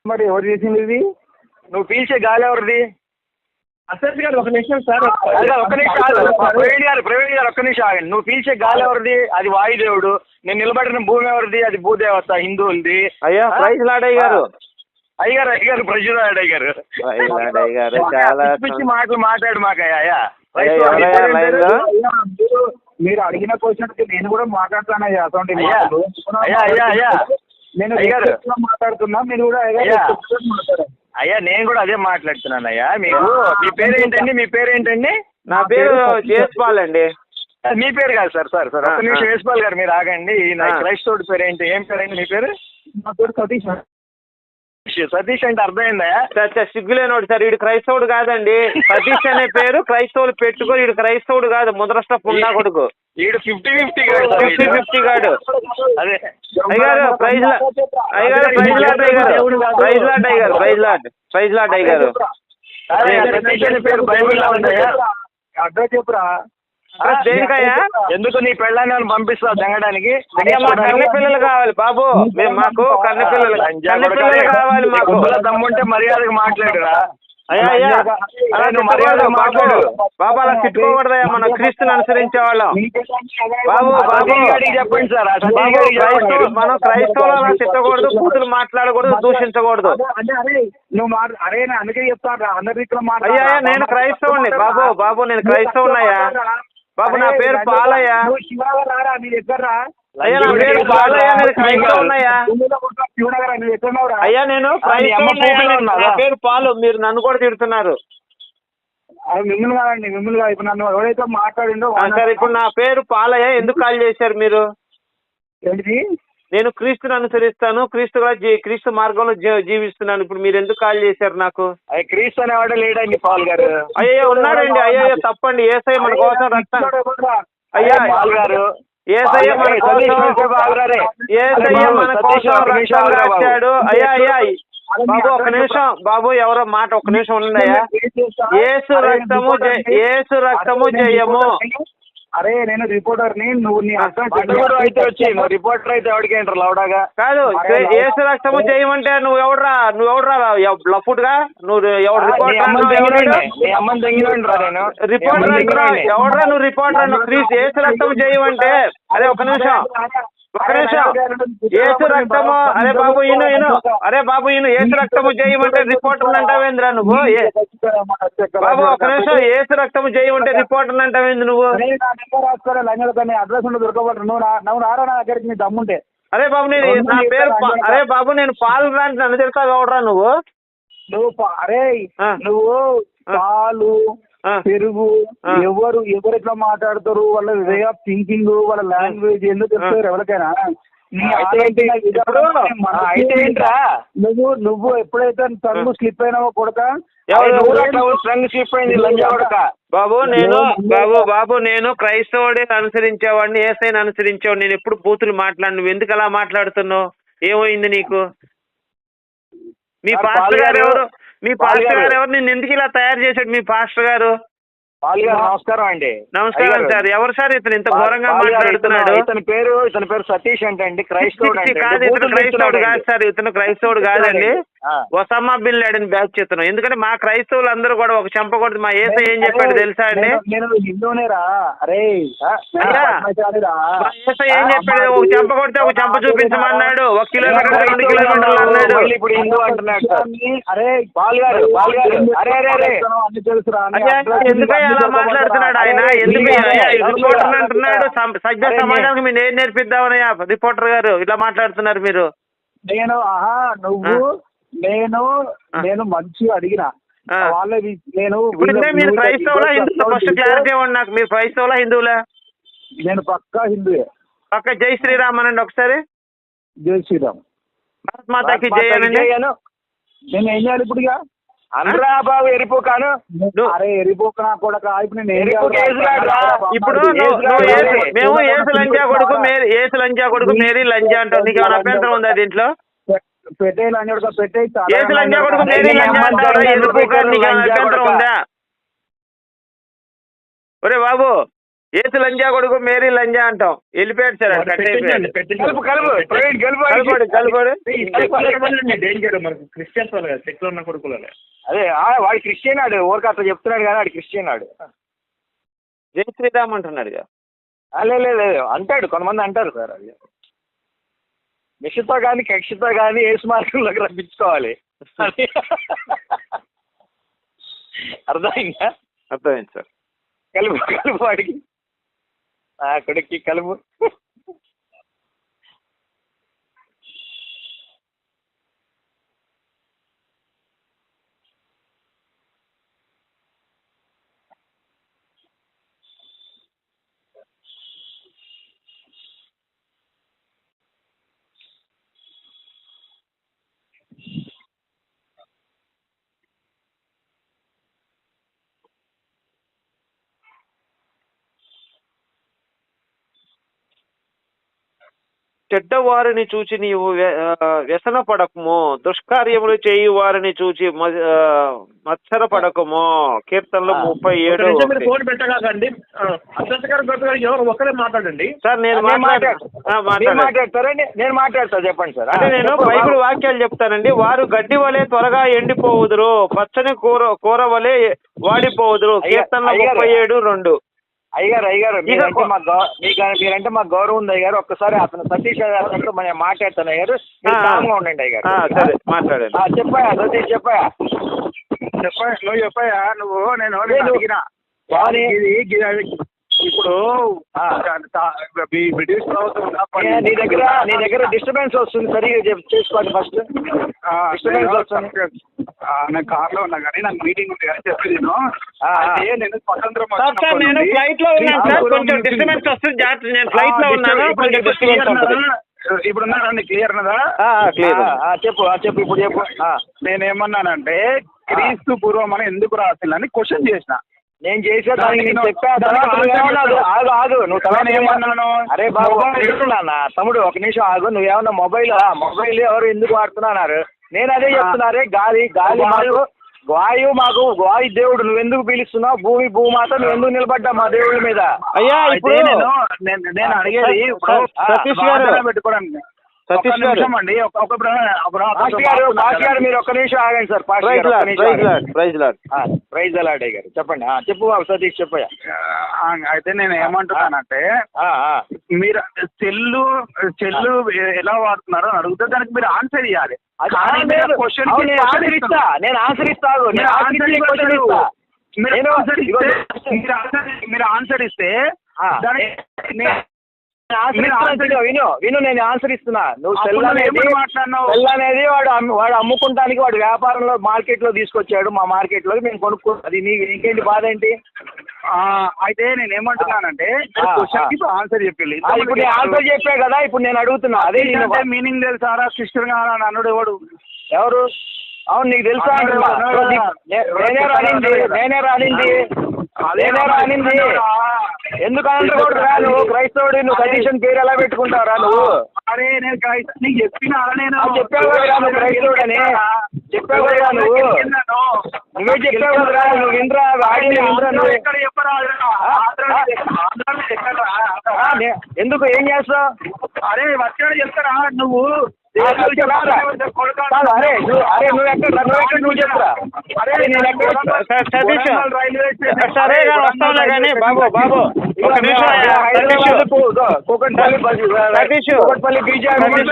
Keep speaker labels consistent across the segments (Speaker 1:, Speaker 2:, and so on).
Speaker 1: మరి ఎవరు చేసింది ఇది?
Speaker 2: నువ్వు పీల్చే గాలి ఎవరిది?
Speaker 1: అసలు గారు ఒక నిమిషం సార్,
Speaker 2: ఒక్క నిమిషం ప్రవీణ్ గారు ఒక్క నిమిషం ఆగండి. నువ్వు పీల్చే గాలి ఎవరిది? అది వాయుదేవుడు. నేను నిలబడిన భూమి ఎవరిది? అది భూదేవత, హిందువులది.
Speaker 3: అయ్యా ప్రైజ్ లాడయ్య గారు,
Speaker 2: అయ్యారు ప్రజలు గారు
Speaker 3: చాలా
Speaker 2: పిచ్చి మాటలు మాట్లాడు మాకయ్యా.
Speaker 1: మీరు అడిగిన క్వశ్చన్ నేను కూడా మాట్లాడతానయ్యా. అటువంటి నేను మాట్లాడుతున్నా, మీరు కూడా మాట్లాడారు.
Speaker 2: అయ్యా నేను కూడా అదే మాట్లాడుతున్నానయ్యా. మీకు మీ పేరేంటండి? మీ పేరేంటండి?
Speaker 3: నా పేరు జేస్పాల్ అండి.
Speaker 2: మీ పేరు కాదు సార్. ఒక్క నిమిషం జేస్పాల్ గారు మీరు ఆగండి. క్రైస్తవుడి పేరు ఏంటి? ఏం పేరండి మీ పేరు?
Speaker 1: నా పేరు సతీష్.
Speaker 2: సతీష్ అంటే అర్థమైందా?
Speaker 3: సిగ్గులేనోడు సార్, వీడు క్రైస్తవుడు కాదండి. సతీష్ అనే పేరు క్రైస్తవులు పెట్టుకొని వీడు క్రైస్తవుడు కాదు, ముద్రష్ట పుండా కొడుకు.
Speaker 2: వీడు 50-50
Speaker 3: గాడు.
Speaker 2: అదే
Speaker 3: అయ్యారు ప్రైజ్ లాడ్ అయ్యారు.
Speaker 2: పేరు బైబిల్లో ఉందయ్యా.
Speaker 1: అడ్రస్ చెప్పురా.
Speaker 3: దేనికయ్యా?
Speaker 2: ఎందుకు నీ పెళ్ళాన్ని పంపిస్తావు జంగడానికి?
Speaker 3: కన్న పిల్లలు కావాలి బాబు, మాకు కన్న పిల్లలు కావాలి. మాకు
Speaker 2: దమ్ముంటే మర్యాదగా మాట్లాడురా.
Speaker 3: అయ్యా బాబు అలా తిట్టుకోకూడదయ్యా, మన క్రీస్తుని అనుసరించే వాళ్ళం. బాబు
Speaker 2: చెప్పండి సార్,
Speaker 3: మనం క్రైస్తవులు అలా తిట్టకూడదు, కూతురు మాట్లాడకూడదు, దూషించకూడదు.
Speaker 1: అందుకే చెప్తాను.
Speaker 3: అయ్యా నేను క్రైస్తవుని బాబు నేను క్రైస్తవునయ్యా. బాబు నా పేరు పాలయ్య. అయ్యా నా పేరు పాలయ్య, నేను క్రైస్తవునయ్యా. అయ్యా నేను నా పేరు పాలు, మీరు నన్ను కూడా తిడుతున్నారు.
Speaker 1: మిమ్మల్ని కాదండి, మిమ్మల్ని కాదు. ఇప్పుడు నన్ను ఎవరైతే మాట్లాడిండో
Speaker 3: సార్, ఇప్పుడు నా పేరు పాలయ్య. ఎందుకు కాల్ చేశారు మీరు?
Speaker 1: ఏంటిది?
Speaker 3: నేను క్రీస్తుని అనుసరిస్తాను, క్రీస్తు మార్గంలో జీవిస్తున్నాను. ఇప్పుడు మీరు ఎందుకు కాల్ చేశారు నాకు?
Speaker 2: క్రీస్తు అనేవాడు లేడండి పాల్ గారు.
Speaker 3: అయ్యో ఉన్నాడండి. అయ్యో తప్పండి. యేసయ్య మన కోసం రక్తం. అయ్యా
Speaker 2: పాల్ గారు,
Speaker 3: యేసయ్య మన కోసం రక్తం రాశాడు. అయ్యా బాబు ఒక నిమిషం బాబు, ఎవరో మాట ఒక్క నిమిషం ఉండండి అయ్యా. యేసు రక్తము జయము.
Speaker 1: అరే నేను రిపోర్టర్ని, నువ్వు నీ
Speaker 2: అయితే వచ్చి రిపోర్టర్ అయితే ఎవరికి ఏంటారు లౌడాగా
Speaker 3: కాదు. యేసు రక్తము చేయమంటే నువ్వు ఎవడరా లఫుట్ గా? నువ్వు ఎవడు రిపోర్టర్? ఎవడరా నువ్వు రిపోర్టర్? యేసు రక్తము చేయమంటే అరే ఒక నిమిషం యేసు రక్తము. అరే బాబు యేసు రక్తము చేయమంటే రిపోర్టర్ అంటావేంద్రా నువ్వు? బాబు ఒక నిమిషం, యేసు రక్తము చేయమంటే రిపోర్టర్ అంటావేంది నువ్వు?
Speaker 1: అడ్రస్ దొరకబట్టు నువ్వు రారా నా దగ్గరికి, నీ దమ్ముంటే.
Speaker 3: అరే బాబు నా పేరు నేను పాలు రాంటి నన్ను తిడతావు ఎవడరా నువ్వు?
Speaker 1: నువ్వు పాలు పెరుగు ఎవరు ఎట్లా మాట్లాడతారు, వాళ్ళ వే ఆఫ్ థింకింగ్, వాళ్ళ లాంగ్వేజ్ ఎందుకు చెప్తారు ఎవరికైనా? నువ్వు ఎప్పుడైతే టంగు స్లిప్ అయినావో కొడక.
Speaker 3: బాబు నేను క్రైస్తవుడే అనుసరించేవాడిని, యేసయ్యని అనుసరించేవాడిని. నేను ఎప్పుడు బూతులు మాట్లాడు. నువ్వు ఎందుకు అలా మాట్లాడుతున్నావు? ఏమైంది నీకు? మీ పాస్టర్ గారు ఎవరు? నిన్ను ఎందుకు ఇలా తయారు చేశాడు మీ పాస్టర్ గారు?
Speaker 2: నమస్కారం అండి.
Speaker 3: నమస్కారం సార్. ఎవరు సార్ ఇతను ఇంత ఘోరంగా మాట్లాడుతున్నాడు?
Speaker 2: ఇతని పేరు సతీష్ అంటే క్రైస్తవుడు
Speaker 3: కాదు. ఇతను క్రైస్తవుడు కాదు సార్, ఇతను క్రైస్తవుడు కాదండి. ఒసామా బిన్ లాడెన్ బ్యాచ్ ఇతను. ఎందుకంటే మా క్రైస్తవులు అందరూ కూడా ఒక చంపకూడదు. మా యేసయ్య ఏం చెప్పాడు తెలుసా అండి? యేసయ్య ఏం చెప్పాడు? ఒక చంప కొడితే ఒక చంప చూపించమన్నాడు. 1 కిలోమీటర్ 2 కిలోమీటర్లు అన్నాడు.
Speaker 2: ఇప్పుడు హిందూ అంటున్నాడు.
Speaker 3: ఎందుకయ్యా అలా మాట్లాడుతున్నాడు ఆయన? ఎందుకు రిపోర్టర్ అంటున్నాడు? సభ్య సమాజానికి మీరు ఏం నేర్పిద్దామనయ్యా రిపోర్టర్ గారు ఇట్లా మాట్లాడుతున్నారు మీరు?
Speaker 1: నేను మంచిగా అడిగిన వాళ్ళవి.
Speaker 3: మీరు క్రైస్తవులా హిందువులా? ఫస్ట్ క్లారిటీ ఇవ్వండి నాకు. మీరు క్రైస్తవులా హిందువులా?
Speaker 1: నేను పక్కా హిందువే.
Speaker 3: పక్క జై శ్రీరామ్ అనండి ఒకసారి.
Speaker 1: జై శ్రీరామ్.
Speaker 3: భారత్ మాతాకి జై అనండి.
Speaker 1: నేను ఏం చేయాలి ఇప్పుడు?
Speaker 2: బాబు ఎరిపోకాను.
Speaker 1: అరే ఎరిపోకనా కొడక. ఇప్పుడు
Speaker 3: మేము ఏసు లంజా కొడుకు మేరీ లంజా అంటాం. నీకు ఏమైనా అభ్యంతరం ఉందా దీంట్లో?
Speaker 1: పెట్టే లంజా పెట్టే
Speaker 3: ఏసు లంజా కొడుకు మేరీ లంజా అంటారా? ఎరిపోక నీకు ఏమైనా అభ్యంతరం ఉందా? ఒరే బాబు ఏసు లంజా కొడుకు మేరీ లంజా అంటాం. వెళ్ళిపోయాడు సార్, కట్ అయిపోయాడు.
Speaker 2: డేంజర్ మనకు క్రిస్టియన్స్ వాళ్ళు కదా, సెక్యులర్ ఉన్న కొడుకులు. అదే వాడు క్రిస్టియన్ ఆడు, ఊరికి అట్లా చెప్తున్నాడు కానీ వాడు క్రిస్టియన్ ఆడు.
Speaker 3: జై శ్రీరామ్ అంటున్నాడు.
Speaker 2: లేదు అంటాడు, కొంతమంది అంటారు సార్. అది నిషితో కానీ కక్షితో కానీ ఏసు మార్గంలోకి రప్పించుకోవాలి. అర్థమైందా?
Speaker 3: అర్థమైంది సార్.
Speaker 2: కలుపు వాడికి, కొడుక్కి కలుపు.
Speaker 3: చెడ్డవారిని చూచి నీవు వ్యసన పడకము, దుష్కార్యములు చేయి వారిని చూచి మత్సర పడకము. కీర్తనలు 37.
Speaker 2: ఫోన్ పెట్టకండి, ఎవరు ఒకరే మాట్లాడండి
Speaker 3: సార్. నేను
Speaker 2: మాట్లాడతారండి, నేను మాట్లాడతా, చెప్పండి సార్.
Speaker 3: అంటే నేను బైబిల్ వాక్యాలు చెప్తానండి. వారు గడ్డి వలె త్వరగా ఎండిపోవుదురు, పచ్చని కూర వలె వాడిపోవుదురు. కీర్తనలు 37:2.
Speaker 2: అయ్యగారు మీరంటే మాకు గౌరవం ఉంది అయ్యారు. ఒక్కసారి అతను సతీష్ గారితో మనం మాట్లాడతాను అయ్యారు, కామ్గా ఉండండి అయ్యారు.
Speaker 3: సరే మాట్లాడండి.
Speaker 2: చెప్పాయా సతీష్, చెప్పాయా
Speaker 1: నువ్వు చెప్పాయా నువ్వు. నేను అడిగినా ఇప్పుడు బ్రిటిష్ ప్రభుత్వం
Speaker 2: నీ దగ్గర డిస్టర్బెన్స్ వస్తుంది, సరిగా చేసుకోండి ఫస్ట్. డిస్టర్బెన్స్ వస్తుంది.
Speaker 1: నేను కార్ లో ఉన్నా కానీ నాకు మీటింగ్ ఉంది కానీ చెప్పి నేను స్వతంత్రం
Speaker 3: నేను ఫ్లైట్ లో ఉన్నాను సార్, కొంచెం డిస్టర్బెన్స్ వస్తుంది. నేను ఫ్లైట్ లో ఉన్నాను, కొంచెం డిస్టర్బెన్స్ వస్తుంది.
Speaker 1: ఇప్పుడు ఉన్నారా? క్లియర్ ఉన్నదా?
Speaker 2: చెప్పు ఇప్పుడు చెప్పు.
Speaker 1: నేనేమన్నానంటే క్రీస్తు పూర్వం అని ఎందుకు రాసిందని క్వశ్చన్ చేసిన.
Speaker 2: నేను చేసే దానికి నేను చెప్పాను. ఆగు నువ్వు తల ఏమన్నాను? అరే బాబు చెప్తున్నా తమ్ముడు, ఒక నిమిషం ఆగు. నువ్వేమన్నా మొబైల్ ఎవరు ఎందుకు వాడుతున్నారు? నేను అదే చెప్తున్నారే, గాలి మాకు వాయువు, మాకు వాయు దేవుడు. నువ్వెందుకు పిలుస్తున్నావు? భూమాత నువ్వెందుకు నిలబడ్డా మా దేవుడి మీద?
Speaker 3: అయ్యా
Speaker 1: నేను అడిగేది పెట్టుకోవడానికి.
Speaker 3: సతీష్ గారు
Speaker 2: అండి, మీరు ఒక్క నిమిషం ఆగండి సార్. ప్రైజ్ అలాడే గారు చెప్పండి. చెప్పు బాబు సతీష్, చెప్పయ్యా.
Speaker 1: అయితే నేను ఏమంటున్నానంటే, మీరు చెల్లు ఎలా వాడుతున్నారో అని అడిగితే దానికి మీరు ఆన్సర్ ఇవ్వాలి.
Speaker 2: నేను ఆన్సర్ ఇస్తాను.
Speaker 1: మీరు ఆన్సర్ ఇస్తే
Speaker 2: విను నేను ఆన్సర్ ఇస్తున్నా. నువ్వు సెల్ అనేది వాడు అమ్ముకుంటానికి వాడు వ్యాపారంలో మార్కెట్ లో తీసుకొచ్చాడు, మా మార్కెట్ లో మేము కొనుక్కు. అది నీకేంటి బాధ ఏంటి?
Speaker 1: అయితే నేను ఏమంటున్నానంటే ఆన్సర్ చెప్పి
Speaker 2: ఇప్పుడు నేను ఆన్సర్ చెప్పా కదా, ఇప్పుడు నేను అడుగుతున్నా. అదే
Speaker 1: మీనింగ్ తెలుసారా? కృష్ణుడు అన్నాడు ఎవరు?
Speaker 2: అవును, నీకు తెలుసా? నేనే రానింది. ఎందుకంటే నువ్వు క్రైస్తవుడి, నువ్వు సతీషన్ పేరు ఎలా పెట్టుకుంటావురా నువ్వు?
Speaker 1: అరే నేను నీకు చెప్పిన
Speaker 2: చెప్పావు కదా నువ్వు క్రైస్తవుడు అని. చెప్పావు కదా నువ్వే చెప్పావు కదరా. నువ్వు వినరా, ఆడియో వినరా నువ్వు? ఎందుకు ఏం చేస్తావు?
Speaker 1: అరే వచ్చాడు చెప్తారా నువ్వు?
Speaker 2: అరే నువ్వు ఎక్కడ నువ్వు చెప్పురా. అరే నేను ఎక్కడ
Speaker 3: సరే వస్తావులే కానీ బాబు ఒక నిమిషం.
Speaker 2: కూకట్పల్లి బీజేపీ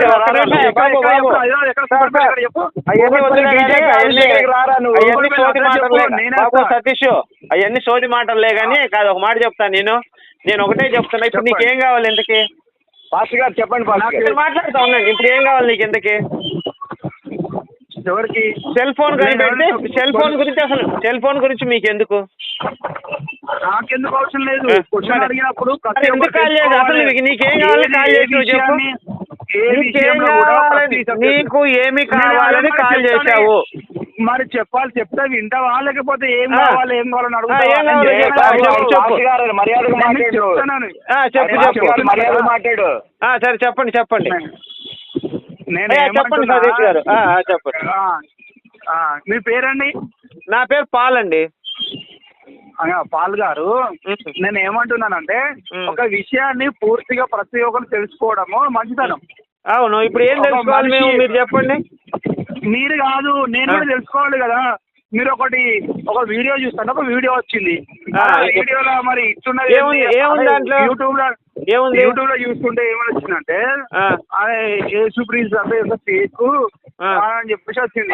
Speaker 3: సతీష్, అవన్నీ సోది మాటలే కానీ కాదు. ఒక మాట చెప్తాను నేను ఒకటే చెప్తున్నా. ఇప్పుడు నీకేం కావాలి ఇంతకీ?
Speaker 2: పాస్టర్ గారు చెప్పండి.
Speaker 3: మాట్లాడుతా ఉన్నాను. ఇప్పుడు ఏం కావాలి నీకు ఇంతకీ?
Speaker 1: ఎవరికి?
Speaker 3: సెల్ ఫోన్ కనిపెడితే సెల్ ఫోన్ గురించి మీకు ఎందుకు?
Speaker 1: నాకెందుకు అవసరం లేదు. క్వశ్చన్ అడిగినప్పుడు
Speaker 3: ఎందుకు కాల్ చేయదు? అసలు నీకేం కావాలి కాల్ చేసి నువ్వు చెప్పు. నీకు ఏమి కావాలని కాల్ చేశావు?
Speaker 1: మరి చెప్తే వింటావా? లేకపోతే ఏం కావాలి ఏం
Speaker 2: మాట్లాడు.
Speaker 3: సరే చెప్పండి
Speaker 1: చెప్పండి
Speaker 3: సతీష్ గారు చెప్పండి.
Speaker 1: మీ పేరండి?
Speaker 3: నా పేరు పాల్ అండి.
Speaker 1: పాల్ గారు నేను ఏమంటున్నానంటే ఒక విషయాన్ని పూర్తిగా ప్రతి ఒక్కరు తెలుసుకోవడము మంచితనం.
Speaker 3: అవును, ఇప్పుడు ఏం తెలుసుకోవాలి మేము, మీరు చెప్పండి.
Speaker 1: మీరు కాదు, నేను కూడా తెలుసుకోవాలి కదా. మీరు ఒక వీడియో చూస్తాను, ఒక వీడియో వచ్చింది, వీడియోలో మరి ఇస్తున్నది యూట్యూబ్ లో చూస్తుంటే ఏమని వచ్చిందంటే యేసుప్రీస్ అంటే ఫేక్ అని చెప్పేసి వచ్చింది.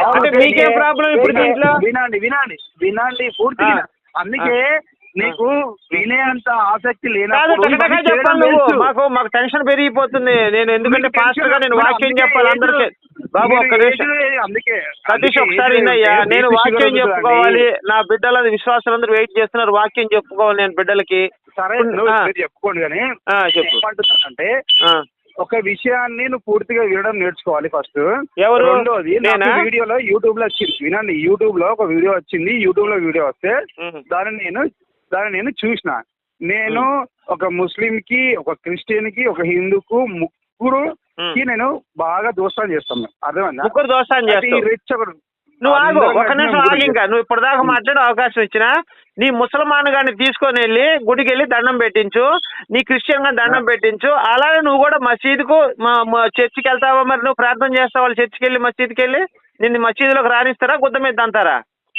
Speaker 1: వినండి పూర్తిగా. అందుకే నీకు వినేంత ఆసక్తి
Speaker 3: లేనప్పుడు మాకు టెన్షన్ పెరిగిపోతుంది. నేను ఎందుకంటే పాస్టర్ గా నేను వాక్యం చెప్పాలి అందరికీ. బాబు ఒక్క నిమిషం
Speaker 1: అందుకే
Speaker 3: సతీష్ ఒకసారి వినయ్యా, నేను వాక్యం చెప్పుకోవాలి. నా బిడ్డల విశ్వాసాలందరూ వెయిట్ చేస్తున్నారు, వాక్యం చెప్పుకోవాలి నేను బిడ్డలకి.
Speaker 1: సరే చెప్పుకోండి కానీ ఏమంటున్నానంటే ఒక విషయాన్ని నువ్వు పూర్తిగా వినడం నేర్చుకోవాలి ఫస్ట్. రెండోది వీడియోలో యూట్యూబ్ లో వచ్చింది, వినండి, యూట్యూబ్ లో ఒక వీడియో వచ్చింది. యూట్యూబ్ లో వీడియో వస్తే దాన్ని నేను చూసిన. నేను ఒక ముస్లిం కి, ఒక క్రిస్టియన్ కి, ఒక హిందూకు ముగ్గురుకి నేను బాగా దోస్తాను చేస్తాను. అర్థమైందా?
Speaker 3: ముగ్గురు దోస్తాను చేస్తాను. నువ్వు ఆగు, ఒక నిమిషం ఆగి. ఇంకా నువ్వు ఇప్పటిదాకా మాట్లాడే అవకాశం ఇచ్చినా నీ ముసల్మాన్ గారిని తీసుకొని వెళ్ళి గుడికి వెళ్ళి దండం పెట్టించు, నీ క్రిస్టియన్ గారిని దండం పెట్టించు. అలాగే నువ్వు కూడా మసీదుకు చర్చికి వెళ్తావా? మరి నువ్వు ప్రార్థన చేస్తావా చర్చికి వెళ్ళి, మసీదుకి వెళ్ళి? నిన్ను మసీదులోకి రానిస్తారా, గుద్ద మీద అంటారా?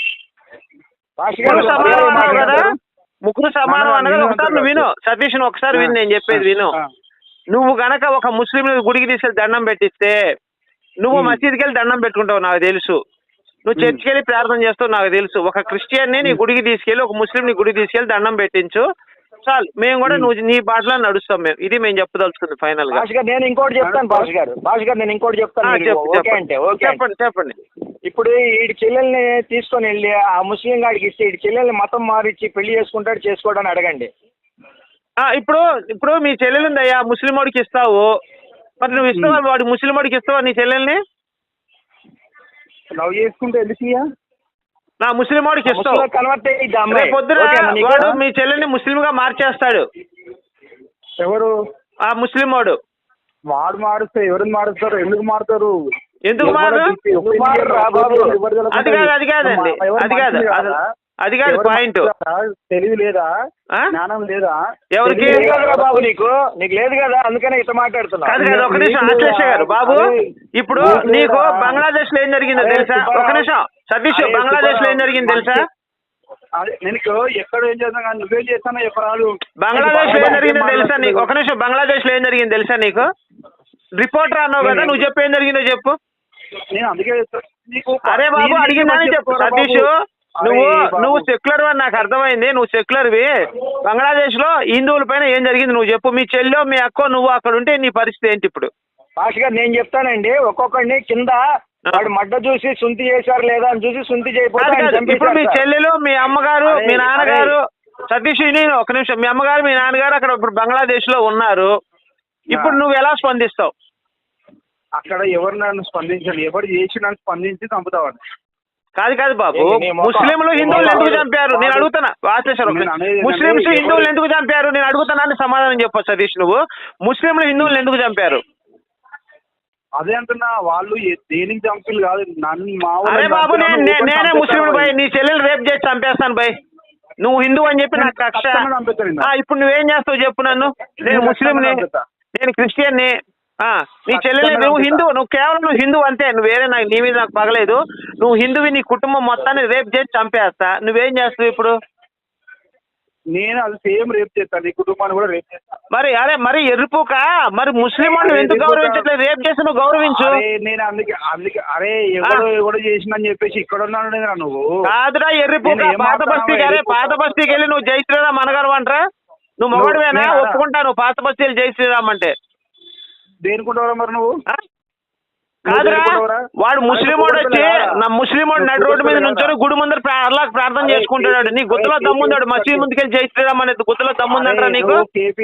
Speaker 3: సమానం అన్నావు కదా, ముగ్గురు సమానం అన్నది. ఒకసారి నువ్వు విను సతీష్, ఒకసారి విను, నేను చెప్పేది విను. నువ్వు గనక ఒక ముస్లిం గుడికి తీసుకెళ్ళి దండం పెట్టిస్తే నువ్వు మసీదుకి వెళ్ళి దండం పెట్టుకుంటావు నాకు తెలుసు, నువ్వు చర్చికి వెళ్ళి ప్రార్థన చేస్తావు నాకు తెలుసు. ఒక క్రిస్టియన్ని నీ గుడికి తీసుకెళ్ళి, ఒక ముస్లిం నీ గుడికి తీసుకెళ్ళి దండం పెట్టించు చాలు. మేము కూడా నువ్వు నీ బాటలో నడుస్తాం. ఇది మేము చెప్పదలుచుకుంది ఫైనల్ గా.
Speaker 2: నేను ఇంకోటి చెప్తాను భాష గారు, నేను ఇంకోటి చెప్తాను.
Speaker 3: చెప్పండి.
Speaker 2: ఇప్పుడు ఈ చెల్లెల్ని తీసుకొని వెళ్ళి ఆ ముస్లిం గాడికి ఇస్తే ఈ చెల్లెల్ని మతం మారిచ్చి పెళ్లి చేసుకోవడానికి అడగండి.
Speaker 3: ఇప్పుడు మీ చెల్లెలు ఉందయ్యా, ముస్లిం వాడికి ఇస్తావు, మరి నువ్వు ఇస్తావా? వాడు ముస్లిం వాడికి ఇస్తావా నీ చెల్లెల్ని?
Speaker 1: లవ్ చేసుకుంటే ఎందుకు
Speaker 3: నా ముస్లిం వాడికి ఇస్తావు? పొద్దున వాడు మీ చెల్లెల్ని ముస్లిం గా మార్చేస్తాడు.
Speaker 1: ఎవరు?
Speaker 3: ఆ ముస్లిం వాడు.
Speaker 1: వాడు మారుస్తే ఎవరు మారుస్తారు? ఎందుకు మారుతారు?
Speaker 3: ఎందుకు మారు? అది కాదు పాయింట్.
Speaker 1: తెలివి లేదా, జ్ఞానం లేదా?
Speaker 3: ఎవరికి
Speaker 2: బాబు? నీకు లేదు కదా, అందుకనే ఇట్లా మాట్లాడుతున్నా.
Speaker 3: కాదు కాదు, ఒక నిమిషం ఆశ్లేష గారు. బాబు ఇప్పుడు నీకు బంగ్లాదేశ్ లో ఏం జరిగిందో తెలుసా? ఒక నిమిషం సతీష్, బంగ్లాదేశ్ లో ఏం జరిగింది తెలుసా?
Speaker 1: నేను ఎక్కడ ఏం చేస్తాను కానీ నువ్వేం చేస్తానో చెప్పరాదు.
Speaker 3: బంగ్లాదేశ్ లో ఏం జరిగిందో తెలుసా నీకు? ఒక నిమిషం, బంగ్లాదేశ్ లో ఏం జరిగింది తెలుసా నీకు? రిపోర్టర్ అన్నావు కదా, నువ్వు చెప్పు, ఏం జరిగిందో చెప్పు.
Speaker 1: నేను అందుకే
Speaker 3: అరే బాబు అడిగిందని చెప్పు సతీష్. నువ్వు సెక్యులర్ అని నాకు అర్థమైంది, నువ్వు సెక్యులర్వి. బంగ్లాదేశ్ లో హిందువుల పైన ఏం జరిగింది నువ్వు చెప్పు. మీ చెల్లో, మీ అక్కో, నువ్వు అక్కడ ఉంటే నీ పరిస్థితి ఏంటి ఇప్పుడు?
Speaker 2: భాష గారు నేను చెప్తానండి. ఒక్కొక్కడిని కింద వాడు మడ్డ చూసి సుంతి చేశారు లేదా అని చూసి సుంతి చేయకపోతే
Speaker 3: ఇప్పుడు మీ చెల్లెలు, మీ అమ్మగారు, మీ నాన్నగారు, సతీష్ నేను ఒక నిమిషం, మీ అమ్మగారు, మీ నాన్నగారు అక్కడ ఇప్పుడు బంగ్లాదేశ్ లో ఉన్నారు. ఇప్పుడు నువ్వు ఎలా స్పందిస్తావు?
Speaker 1: అక్కడ ఎవరు నన్ను స్పందించాలి, ఎవరు చేసి నన్ను స్పందించి చంపుతావాడు.
Speaker 3: కాదు బాబు, ముస్లింలు హిందువులు ఎందుకు చంపారు నేను అడుగుతున్నా. ముస్లింస్ హిందువులు ఎందుకు చంపారు నేను అడుగుతున్నాను, సమాధానం చెప్పు సతీష్. నువ్వు ముస్లింలు హిందువులు ఎందుకు చంపారు?
Speaker 1: అదే అంటున్నా, వాళ్ళు దేనికి చంపిలు కాదు నన్ను.
Speaker 3: అరే బాబు, నేనే ముస్లిం బై, నీ చెల్లెలు రేపు చేసి చంపేస్తాను బై. నువ్వు హిందూ అని చెప్పి నాకు కక్ష. ఇప్పుడు నువ్వేం చేస్తావు చెప్పు నన్ను? నేను ముస్లింని, నేను క్రిస్టియన్ని. నీ చెల్లెలు, నువ్వు హిందూ, నువ్వు కేవలం నువ్వు హిందూ అంతే, నువ్వు వేరే నీ మీద నాకు పగలేదు. నువ్వు హిందువి, నీ కుటుంబం మొత్తాన్ని రేప్ చేసి చంపేస్తా. నువ్వేం చేస్తావు ఇప్పుడు?
Speaker 1: నేను అది సేమ్ రేప్ చేస్తాను, నీ కుటుంబాన్ని కూడా రేప్ చేస్తాను.
Speaker 3: మరి ఎర్రిపోక, మరి ముస్లిం వాళ్ళు ఎందుకు గౌరవించట్లేదు? రేప్ చేసి నువ్వు గౌరవించు.
Speaker 1: నేను అందుకే అరే ఎవడో చేసిందని చెప్పేసి ఇక్కడ ఉన్నాను నువ్వు.
Speaker 3: కాదురా ఎర్రిపోక, పాత బస్తీకి, అరే పాత బస్తీకి వెళ్ళి నువ్వు జై శ్రీరామ్ అనగలవు అంటారా? నువ్వు మొగడువేనా? ఒప్పుకుంటాను పాత బస్తీలు జై శ్రీరామ్ అంటే.
Speaker 1: దేనికుంటావరా మరి నువ్వు?
Speaker 3: కాదురా, వాడు ముస్లిం వాడు వచ్చి నా ముస్లిం వాడు నడు రోడ్డు మీద నుంచొని గుడి ముందర అల్లాహ్ ప్రార్థన చేసుకుంటున్నాడు. నీ గుత్తలో దమ్ముందాడు మసీద్ ముందుకెళ్ళి జై శ్రీరామ్ అనేది గుత్తలో దమ్ముందంటారా నీకు?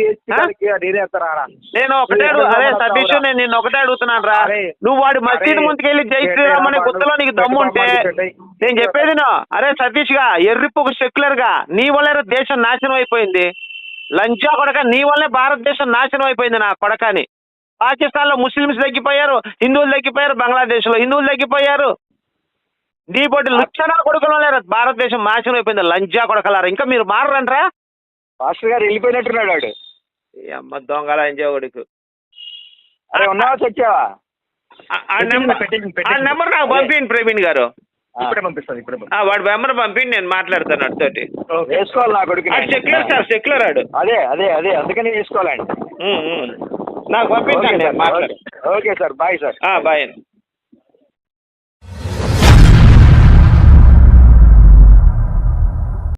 Speaker 3: నేను ఒకటే అరే సతీష్, నేను నిన్ను ఒకటే అడుగుతున్నాను రా, నువ్వు వాడు మసీద్ ముందుకెళ్ళి జై శ్రీరామ్ అనే గుత్తలో నీకు దమ్ముంటే నేను చెప్పేది అరే సతీష్ గా ఎర్రిపోకు సెక్యులర్ గా నీ వల్లే దేశం నాశనం అయిపోయింది. లంచా కొడక, నీ వల్లే భారతదేశం నాశనం అయిపోయింది నా కొడకని. పాకిస్తాన్ లో ముస్లిమ్స్ తగ్గిపోయారు, హిందువులు తగ్గిపోయారు, బంగ్లాదేశ్ లో హిందువులు తగ్గిపోయారు. నీ పోటీ లుచ్చనా కొడుకులు లేరు, భారతదేశం నాశనం అయిపోయింది, లంజా కొడకలారా. ఇంకా మీరు మారరంట్రా?
Speaker 2: పాస్టర్ గారు వెళ్ళిపోయినట్టున్నాడు వాడు.
Speaker 3: ఈ అమ్మ దొంగ లంజా కొడుకు.
Speaker 2: అరే ఉన్నావా, తెచ్చావా?
Speaker 3: ఆ నెంబర్ నాకు పంపించండి ప్రవీణ్ గారు.
Speaker 1: ఇప్పుడే పంపిస్తాను, ఇప్పుడే.
Speaker 3: వాడు నెంబర్ పంపిండి, నేను మాట్లాడతాను అడితోటి.
Speaker 2: వేసుకోవాలి నా కొడుకు.
Speaker 3: సెక్యులర్ సార్, సెక్యులర్ ఆడు.
Speaker 2: అదే అదే అదే అందుకని వేసుకోవాలండి.
Speaker 3: నాకు పంపించండి,
Speaker 2: okay sir, bye sir.
Speaker 3: Bye.